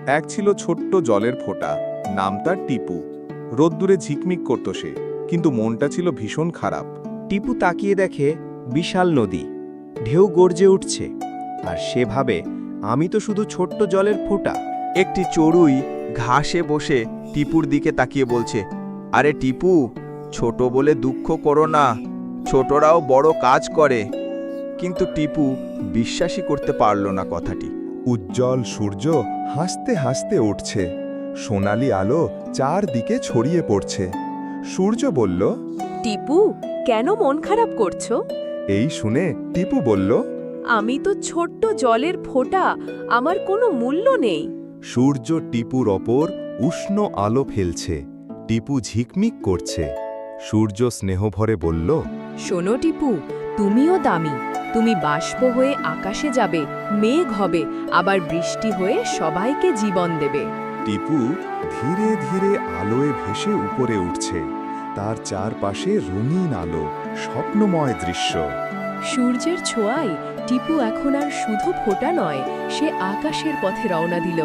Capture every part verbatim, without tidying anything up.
এক ছিল ছোট্ট জলের ফোঁটা, নাম তার টিপু। রোদ্দুরে ঝিকমিক করত সে, কিন্তু মনটা ছিল ভীষণ খারাপ। টিপু তাকিয়ে দেখে বিশাল নদী, ঢেউ গর্জে উঠছে, আর সে ভাবে আমি তো শুধু ছোট্ট জলের ফোঁটা। একটি চড়ুই ঘাসে বসে টিপুর দিকে তাকিয়ে বলছে, আরে টিপু, ছোট বলে দুঃখ করো না, ছোটরাও বড় কাজ করে। কিন্তু টিপু বিশ্বাসই করতে পারল না কথাটি। উজ্জ্বল সূর্য হাসতে হাসতে উঠছে, সোনালি আলো চারদিকে ছড়িয়ে পড়ছে। সূর্য বলল, টিপু, কেন মন খারাপ করছো? এই শুনে টিপু বলল, আমি তো ছোট্ট জলের ফোঁটা, আমার কোনো মূল্য নেই। সূর্য টিপুর ওপর উষ্ণ আলো ফেলছে, টিপু ঝিকমিক করছে। সূর্য স্নেহভরে বলল, শোনো টিপু, তুমিও দামি। তুমি বাষ্প হয়ে আকাশে যাবে, মেঘ হবে, আবার বৃষ্টি হয়ে সবাইকে জীবন দেবে। টিপু ধীরে ধীরে আলোয় ভেসে উপরে উঠছে, তার চারপাশে রঙিন আলো, স্বপ্নময় দৃশ্য। সূর্যের ছোঁয়ায় টিপু এখন আর শুধু ফোঁটা নয়, সে আকাশের পথে রওনা দিল।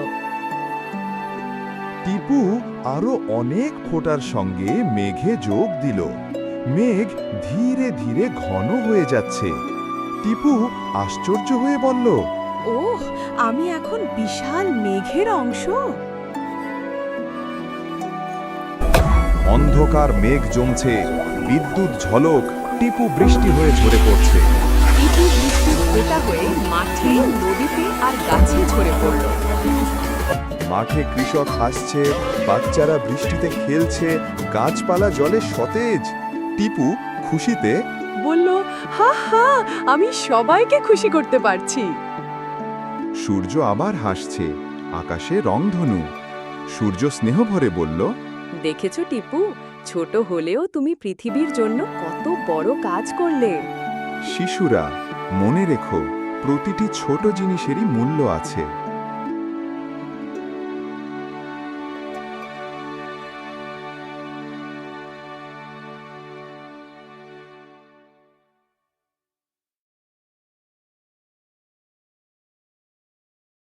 টিপু আরো অনেক ফোঁটার সঙ্গে মেঘে যোগ দিল। মেঘ ধীরে ধীরে ঘন হয়ে যাচ্ছে। টিপু আশ্চর্য হয়ে বলল, ওহ, আমি এখন বিশাল মেঘের অংশ। অন্ধকার মেঘ জমছে, বিদ্যুৎ ঝলক, টিপু বৃষ্টি হয়ে ঝরে পড়ছে। টিপু বৃষ্টির ফোঁটা হয়ে মাঠে, নদীতে আর গাছে ঝরে পড়ল। মাঠে কৃষক হাসছে, বাচ্চারা বৃষ্টিতে খেলছে, গাছপালা জলে সতেজ। টিপু খুশিতে বলল, হা হা, আমি সবাইকে খুশি করতে পারছি। সূর্য আবার হাসছে, আকাশে রংধনু। সূর্য স্নেহভরে বলল, দেখেছো টিপু, ছোট হলেও তুমি পৃথিবীর জন্য কত বড় কাজ করলে। শিশুরা, মনে রেখো, প্রতিটি ছোট জিনিসেরই মূল্য আছে।